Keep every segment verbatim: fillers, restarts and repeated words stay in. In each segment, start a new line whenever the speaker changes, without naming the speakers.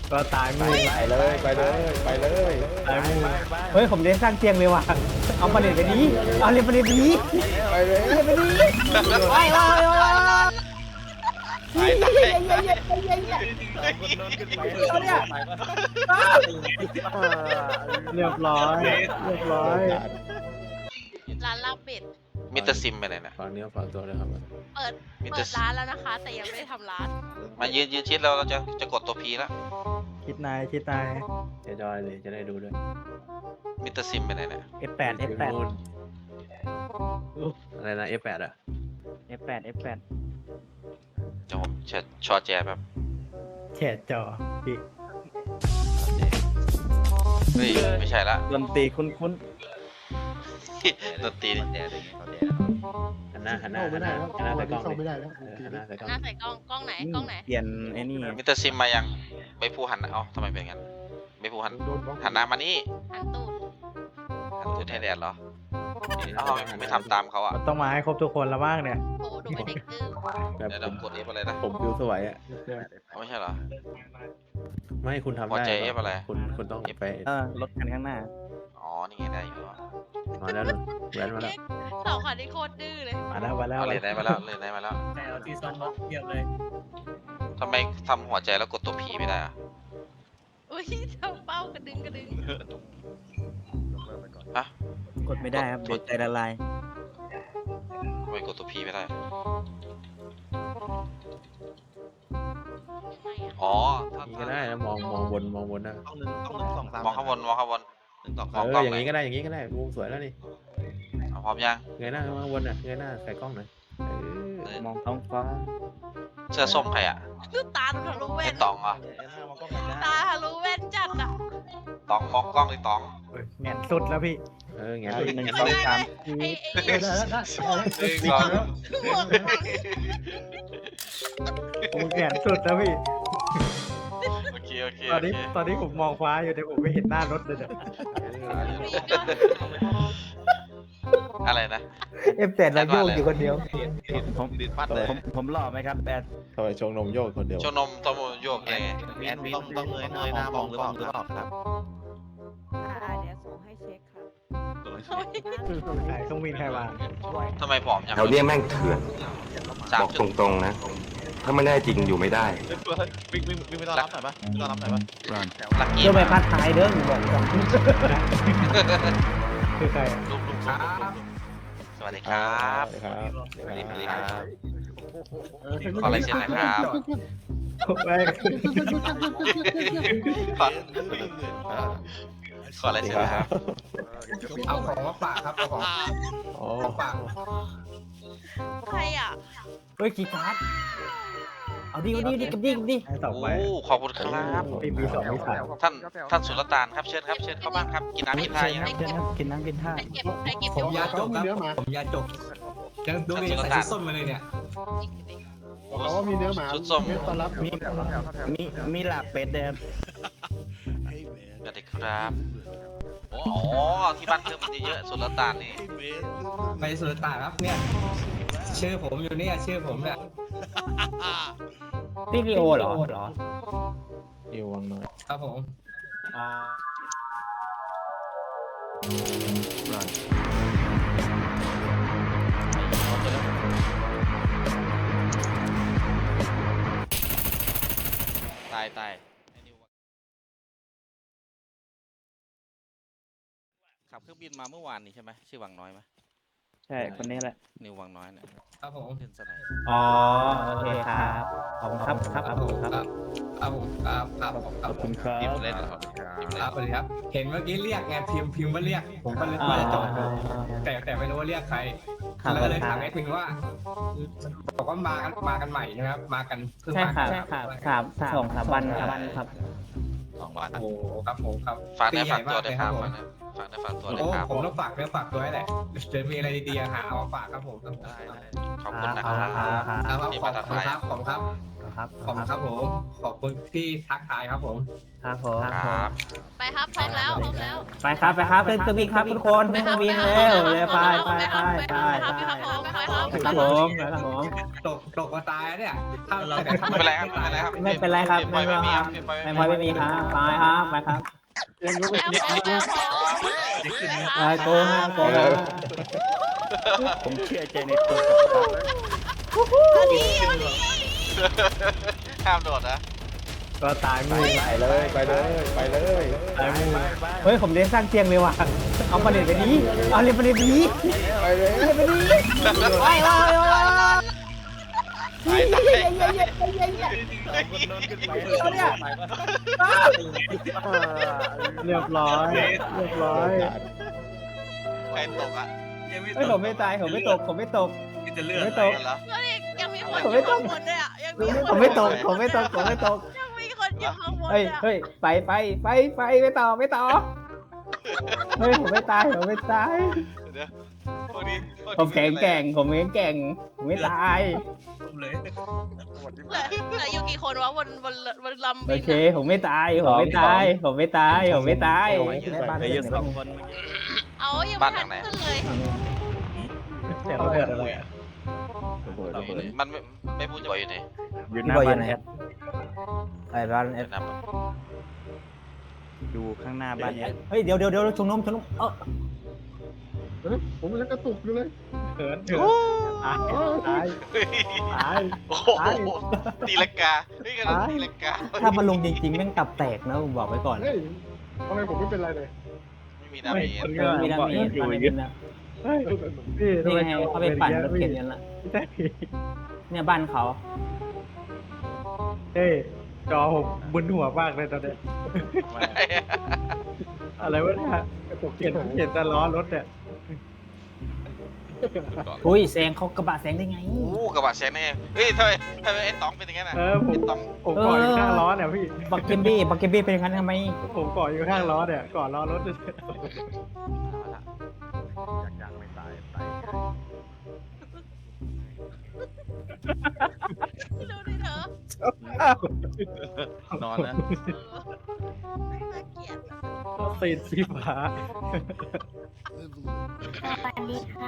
ก็ตายมือ
ไปเลยไปเลยไปเลย
ตายมือเฮ้ยผมเล่นสร้างเตียงเลยว่ะเอาประเด็นไปนี้เอาเรียนประเด็นไปนี้
ไปเลย
เรียนไปนี้ไปไปเรียบร้อยเรียบร้อย
ร้านลาบเป็ด
มิสเตอร์ซิมไปไหนนะ
ฝากเนื้อฝากตัวเลยครับ
เปิด
มิสเต
เปิ
อ
ด
ร์
ร้านแล้วนะคะ แต่ยังไม่ได้ทำร้าน
มายืนยืนชิดแล้วเราจะจะกดตัวพีแล้ว
คิดนายคิดนาย
เดี๋ยวจอยเลยจะได้ดูด้วย
มิสเตอร์ซิมไปไหนนะ
เอฟแปด เอฟแปด
อะไรนะ เอฟ แปด อ่ะ
เอฟแปด เอฟแปด
เดี๋ยวผมเชิญชอแจแบบ
แฉดจอพี่
เฮ้ยไม่ใช่ละ
ดนตรีคุ้น
ดนตรีนี่
หันหน้าหันหน้าหันหน้าหันหน้าใส่กล้องเลยเออหันหน้าใส่กล้อง
หน้าใส่กล้อง กล้องไหน
ๆ
กล้องไหน
เปลี่ยนไอ้นี่
มิสเตอร์ซิมมายังใบพูหันเอ้าทำไมเป็นงั้นใบพูหันหันหน้ามานี่
หันตูด
หันตูดให้แดดเหรอเอ้าทำไมผมไม่ทำตามเขาอ่ะ
ต้องมาให้ครบทุกคนแล้วบ้างเนี่ย
โอ้ดูเป็นเด็กดื้อ
แบบ
เดี๋ยว
ผ
เรา
ม
กดเอฟอะไรนะ
ผมฟิวสวยอ่ะ
เอาไม่ใช่เหรอ
ไม่คุณทำ
หัว
ได้
ใจ F อะไร
คุณคุณต้องไป
เออรถคันข้างหน้า
อ๋อนี่ไงได้อยู่อ่ะ
มาแล้วลุงแหวนมาแล้ว
สองคนนี้โคตรดื้อเลย
มาแล้วมาแล้ว
เอาเลยได้มาแล้วเลยได้มาแล้ว
แต่เอาที่ซ่อมรถเทียบเลย
ทำไมทำหัวใจแล้วกดตัวพีไม่ได้อ่ะ
อุ้ยทำเป้ากระดึงกระดึง
ฮะ
กดไม่ได้ครับเดี๋ยวใจละลาย
ทำไมกดตัวพีไม่ได้
ยังไงอะ
อ๋อถ้า
นี่ก็ได้นะมองมองบนมองบนนะ
ต้องหนึ่งต้องหนึ่งสองสาม
มองข้างบนมองข้างบน
หนึ่งสอง
ม
สา
อ
ม
ง
เอก
ล้
อ
อง
อย่าง
ไหน
นี้ก็ได้อย่างนี้ก็ได้มุมสวยแล้วนี่
เอาพร้อมยัง
เงยหน้าข้างบนอ่ะเงยหน้าใส่กล้องหน่อยเออ
มองท้องฟ้า
เสื้อส้มใครอ่ะ
ดูตาทะลุแว่
ไอ้
น
ตองเหรอ่ะ
ตาทะลุแว่นจัดอ่ะ
ตองมองกล้องเลยตอง
แงนสุดแล้วพี่
เออไง
หนึ่งสองสาม
ไอ้ไอ้
หนึ่งสอง
หัว
โอ้แงนสุดแล้วพี่
โอเคโอเค
ตอ
โอน
นี้
เค
ตอนนี้ผมมองฟ้าอยู่แต่ผมไม่เห็นหน้ารถเลยเนี่ย
อะไรนะ
เอฟแปดเราโยกอยู่คนเดียว
ผมดิดปัดเลย
ผมผมหล่อไหมครับแปด
ทำไมชงนมโยกคนเดียว
โชว์นมต้องโยกไง
แอดมินต้องเงยเงยหน้ามองหรือเปล่าหรือเปล่าครับ
อ่าเดี๋ยวส่งให้เช็คครับ
ใครต้องวินใครวาง
ทำไมผอมยัง
แถวเนี้ยแม่งเถื่อน
สาม
บอก
จุด
ตรงๆนะ ถ้าไม่ได้จริงอยู่ไม่ได้
วิ่งวิ่งวิ่งไปต้อนรับหน่อยปะต้อนรับหน่อยปะ
ลักกี้
เจ้าใบพัดท้ายเด้อหนูบอกก่อนคือใคร
ลุกลุกลุกลุกสวัสดีครับ
ครับ
สวัสดีครับขออะไรเซ็นนะครับ
แม่ง
ขอขออะไรเซ็นนะครับ
เอาของมาฝากครับเอาของ
อ๋อ
มาฝาก
ใครอ่ะ
เฮ้ยกีการ์ดเอาดิเอาดิดิกับดิกับดิสองใบ
โอ้ขอบคุณครับ
ไม่มีสองไม่สาม
ท่านท่านสุลต่านครับเชิญครับเชิญเข้าบ้านครับกินน้ำกินท่ายังครับ
เดี๋ยวนะกินน้ำกินท่า
ใครเก็บใครเก็บ
ผมยาจ
ก
กครับผมยาจกยังดูดิใส่ชุดส้มมาเลยเนี่ย
เขาว่ามีเนื้อหมาชุดส้ม
มีมีมีลาบเป็ดเด้อ
สวัสดีครับโอ้โหที่บ้านเพิ่มมันเยอะสุลต่านนี่
ไปสุรตานครับเนี่ยชื่อผมอยู่เนี่ยชื่อผมเนี่ย
นี่ลีโอเหรอเหรอ
เอววังหน่อย
ครับผม
อ๋อ
ตายตายขับเครื่องบินมาเมื่อวานนี้ใช่ไหมชื่อวังน้อยไหม
ใช่คนนี้แหละ
นิววังน้อยเนี่ย
ครับผม
ขึ้นสไนด์
อ๋อโอเคครับขอบคุณครับครับขอบคุณครับ
ครับผมครับครับผมค
ข
รับ
อบคุณครับ
ทีมเล่นเหรอทีม
ค
เล่น
รับสวัสดีครับ เห็นเมื่อกี้เรียกไงพิมพ์พิมพ์ว่าเรียก ผมก็เลยว่าจะจอดดูแต่แต่ไม่รู้ว่าเรียกใคร
ครับ
แล้วก็เลยถามแอดมินว่าบอกว่ามากันมากันใหม่ใช่ไหมครับมากันเพิ่ง
ใช่
มา
ครับ
กัน
ครับสามสองสามวันครับครับ
สองวัน
โอ้โหครับผมครับ
ฝากได้ฝากตัว
เล
ได้
ย
ค
ค
รั
รั
บบ
ผม
ฝากได้ฝากตัวได้
โอ้
ครับ
ผมต้องฝากเนื้อฝากตัวให้แหละเดี๋ยวมีอะไรดีๆหาเอามาฝากครับผมครับผม
ขอบคุณนะค
ค
รั
รั
บบ
ครับ
ที่
ขอ
มา
บ
ทัก
คุณ
ทาย
ครับขอบคุณครับ
คครับ
ขอบคุณครับผมขอบคุณที่ทักทายครับผม
ครับผม
ครับ
ไปครับพร้อมแล้วพร้อมแล้ว
ไปครับไปครับขึ้นเครื่องบินครับทุกคนขึ้นเครื่องบินเร็วเลยไปไปไปไป
ครับ
ไป
ครับผมไปครับ
ครับผมครับผม
ตกตกมาตายเนี่ยถ้าแต่ถ้า
ไม่เป็นไรครับไม่เป็นไรครับ
ไม่เป็นไรครับ
ไม่
ไม่
เป็น
ไม่
ไร
ไม่ไม่มีครับไปครับไปครับไปโกงฮะโกงฮะ
ผมเชื่อใจในตัว
ห้ามโดดนะ
ก็ตายมือ
ไปเลยไปเลยไปเลย
ตายมือเฮ้ยผมเล่นสร้างเตียงเลยว่ะเอาประเด็นไปนี้เอาเล่นประเด็นไปนี้
ไปเลย
ไปนี้ไปไป
ไปไป
เรียบร้อยเรียบร้อย
ใครตกอ่ะ
เฮ้ยผมไม่ตายผมไม่ตกผมไม่ตก
จะเลื
ผ
อก
มไม่ตก
เหรอ
ยังมีคนอยู่ข้างบนด้วยอ่ะยังมีค
ผม
น
ไม่ตกผมไม่ตกผมไม่ตก
ยังมีคนอยู่ข้างบน
เฮ้ย
อ่ะ
เฮ้ยไปไปไปไปไม่ต่อไม่ต่อเฮ้ยผมไม่ตายผมไม่ตาย
เดี๋ยวพวกนี้พวกนี้
ผมแข็งแกร่งผมแข็งแกร่งผมไม่ตาย
เลย
เหลือเหลืออยู่กี่คนวะบนบนบนลำ
โอ
บิน
เค ผมไม่ตายผมไม่ตายผมไม่ตายผมไม่ตาย
ไปเยอะสองคน
เอายังไม่ทันขึ้นเลย
เสียงระเบิดอะไร
มันไม่ไม่พูดจะบอกอยู่ไหน
อยู่หน้าบ้านแอด
ไอ้บ้าน
เดี๋ยวนับ
อยู่ข้างหน้าบ้านแอด
เฮ้ยเดี๋ยวเดี๋ยวเดี๋ยวชงนมชงนมเออ
ผมแล้วกระตุกอยู่เลย
เถินเถินตายตายตาย
โอ้โหตีลังกาเฮ้ยกันตีลังกา
ถ้ามันลงจริงๆแม่งตับแตกนะผมบอกไว้ก่อน
เฮ้ยทำไมผมไม่เป็นไรเลย
ไม่มีดาเมจ
มีดาเมจอยู่เยอะนะนี่ไงเขาไปปั่นรถเข็นกันละเนี่ยบ้านเขา
เฮ้ยจอผมมึนหัวมากเลยตอนเนี้ยอะไรวะเนี่ยเห็นเห็นแต่ล้อรถเนี่ย
อุ้ยแซงเขากระบะแซงได้ไง
โอ้กระบะแซงแน่เฮ้ยทำไมทำไมไอ้ต๋องเป็นอย่างนั้นอ่ะ
เออผม
ไอ้ต๋อง
ผมเกาะอยู่ข้างล้อเนี่ยพี่
บักเกมบี้บักเกมบี้เป็นอย่างนั้นทำไม
ผมเกาะอยู่ข้างล้อเนี่ยเกาะล้อรถ
ยังไม่ตายตาย
ดูดิเธอน
อนนะ
น่าเกลียด
ตีนสีฟ้า
สวัสดีค่ะ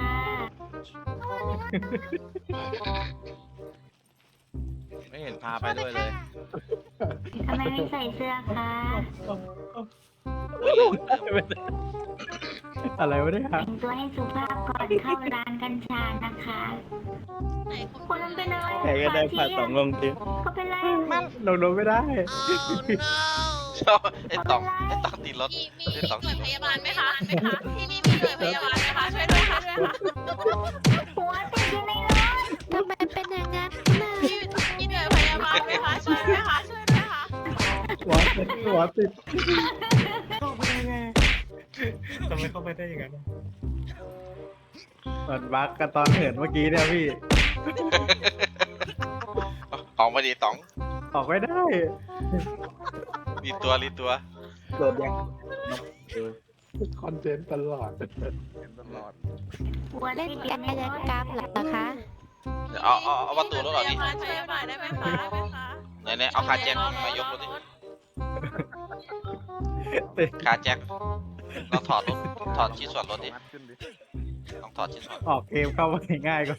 ไม่เห็นพาไปด้วยเลย
ทำไมไม่ใส่เสื้อคะ
อะไรวะเนี่ย
แต่งตัวให้สุภาพก่อนเข้าร้านกัญชานะคะ
ไหนคุณ
คนมันเป็นอะไร
ใครก็ได้พาสองลงที
เขาเป็นอะไร
ลงรถไม่ได้
ชอบไอ้ต๋องไอ้ต๋องตีรถ
มีมีหน่วยพยาบาลไหมคะไหมคะที่นี่มีหน่วยพยาบาลไหมคะช่วยด้วยค่ะช่วยด้วยค่ะ
หัวติดอยู่ในรถ
ทำไมเป็นอย่างนั้นน่ะมีมีหน่วยพยาบาลไหมคะช่วยด้วยค่ะช่วยด้วยค่ะ
หัวติดหัวติดทำไมเข้าไปได้ยังไงมันบักกันตอนเหินเมื่อกี้เนี่ยพี่
ออกมาดีต๋อง
ออกไม่ได้
รีตัวรีตัว
โดดยัง
คอนเทนต์ตลอด
ตลอด
หัวติดอยู่ในรถ
เดี๋ยวเอาเอาเอาประตูรถออกดิ
พยาบาลช่วยหน่อยได้ไหมคะได้ไหมคะ
ไหนไหนเอาคาแจ็คมายกรถดิคาแจ็คเราถอดรถถอดชิ้นส่วนรถดิต้องถอดชิ้นส่วน
ออกเกมเข้ามาง่ายกว่า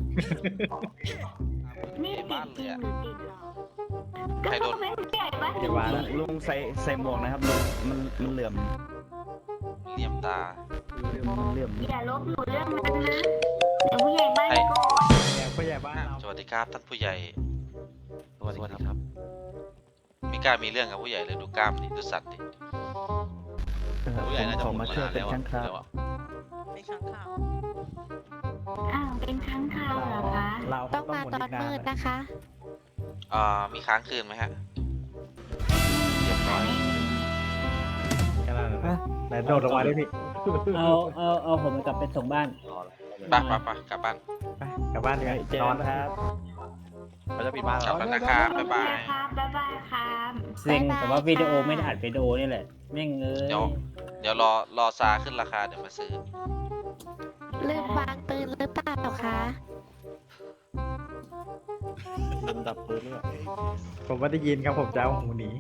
นี่ติดจริงหรือติดหรอ
ใครโดน
ก็เป็นใหญ่ปะ
อย่าว่านะลุงใส่ใส่หมวกนะครับลุงมันมันเหลื่อม
เหลี่ยมตา
มันเหลื่อม
อย่าลบหลู่เรื่องนั้นนะเดี๋ยวผู้ใหญ่บ้านโกรธ
อย่างผู้ใหญ่บ้านเรา
สวัสดีครับท่านผู้ใหญ่สวัสดีครับไม่กล้ามีเรื่องกับผู้ใหญ่เลยดูกล้ามดิดูสัตว์ดิ
ผู้ใหญ่น่าจะ
ผมมาช่วยเป็น
แล้ว
ช่างครับ
แล้วอะ
เป็นข้างข่าว
อ้าวเป็นค้างคาวเหรอคะ
เรา
ต้องมาตอนมืดนะคะ
อ่ามีค้างคืนไหมฮะเรียบร้อย
แค่นั้นนะไหนโดดลงมาได้พี่
เอาเอาเอาผมกลับไปส่งบ้าน
ไปไปไปกลับบ้าน
ไปกลับบ้านกัน
เจอน
อน
ครับ
เขาจะปิดบ้าน
ก
แล้
ลับ
ว
แล้วนะครับบ๊ายบาย
ครับบ๊ายบายครับ
เซ็งแต่ว่าวิดีโอไม่ได้อัดวิดีโอนี่แหละแม่งเอ้ย
เดี๋ยวเดี๋ยวรอรอซาขึ้นราคาเดี๋ยวมาซื้อ
ลืมวางปืนหรือเปล่าคะ
ลืมดับปืนด้วย
ผมไม่ได้ยินครับผมจะเอาหูหนี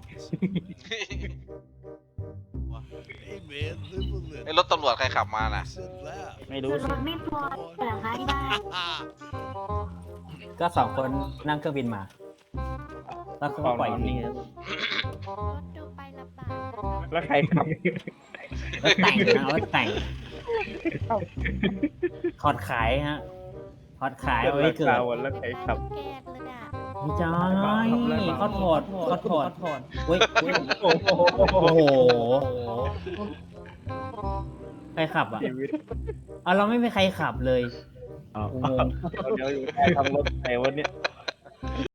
ไอ้รถตำรวจใครขับมาน่ะ
ไม่รู้
ร
สิ
ถไม่พอเหรอคะที่บ้าน
ก็สองคนนั่งเครื่องบินมา แล้วเขาก็ปล่อยอยู่นี่ครับ
รถดูไปลำบาก
แล้วใครขับ
รถแต่งนะรถแต่งถอดขายฮะถอดขายเอาไว้เกิด
แล้วใครขับ
แกนเลยอ่ะ
ไม่ใช่เขาถอดเขาถอดเฮ้ยเฮ้ยโอ้โหใครขับอ่ะเอาเราไม่มีใครขับเลย
อ๋อ
งง
เดี๋ยวอยู่ใต้ท้องรถไหนวะเนี่ย